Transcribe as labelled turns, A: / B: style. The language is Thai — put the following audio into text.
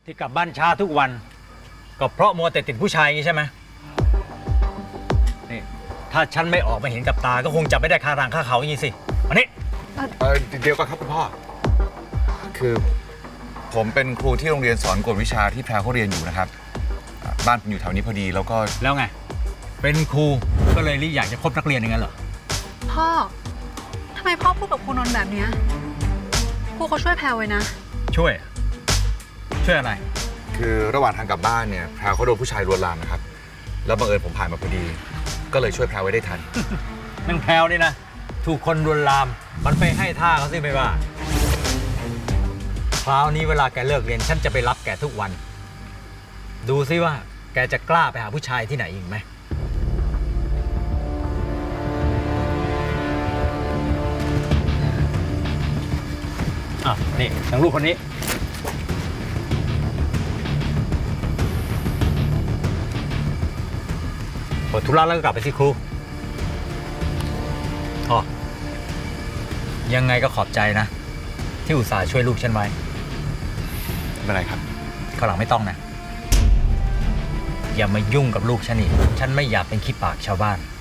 A: ที่กลับบ้านช้าทุกวันก็เพราะมัวแต่ติดผู้ชายอย่างนี้ใช่ไหมนี่ถ้าฉันไม่ออกมาเห็นกับตาก็คงจับไม่ได้คารังคาเขาอย่างนี้สิอันนี้
B: เดี๋ยวก่อนครับคุณพ่อคือผมเป็นครูที่โรงเรียนสอนกวดวิชาที่แพรเขาเรียนอยู่นะครับบ้านผมอยู่แถวนี้พอดีแล้วก็
A: แล้วไงเป็นครูก็เลยรีอยากจะคบนักเรียนอย่างนั้นเหรอ
C: พ่อทำไมพ่อพูดกับครูนนท์แบบเนี้ยครูเขาช่วยแพรไว้นะ
A: ช่วยอะไร
B: คือระหว่างทางกลับบ้านเนี่ยแพรเขาโดนผู้ชายลวนลามนะครับแล้วบังเอิญผมผ่านมาพอดีก็เลยช่วยแพรไว้ได้ทัน
A: นางแพรวนี่นะถูกคนลวนลามมันไปให้ท่าเขาสิไม่ว่าคราวนี้เวลาแกเลิกเรียนฉันจะไปรับแกทุกวันดูซิว่าแกจะกล้าไปหาผู้ชายที่ไหนอีกไหมนี่ทางลูกคนนี้หมดธุระแล้วก็กลับไปที่ครูอ๋อยังไงก็ขอบใจนะที่อุตส่าห์ช่วยลูกฉันไว้
B: ไม่เป็นไรครับ
A: ข้างหลังไม่ต้องนะอย่ามายุ่งกับลูกฉันอีกฉันไม่อยากเป็นขี้ปากชาวบ้าน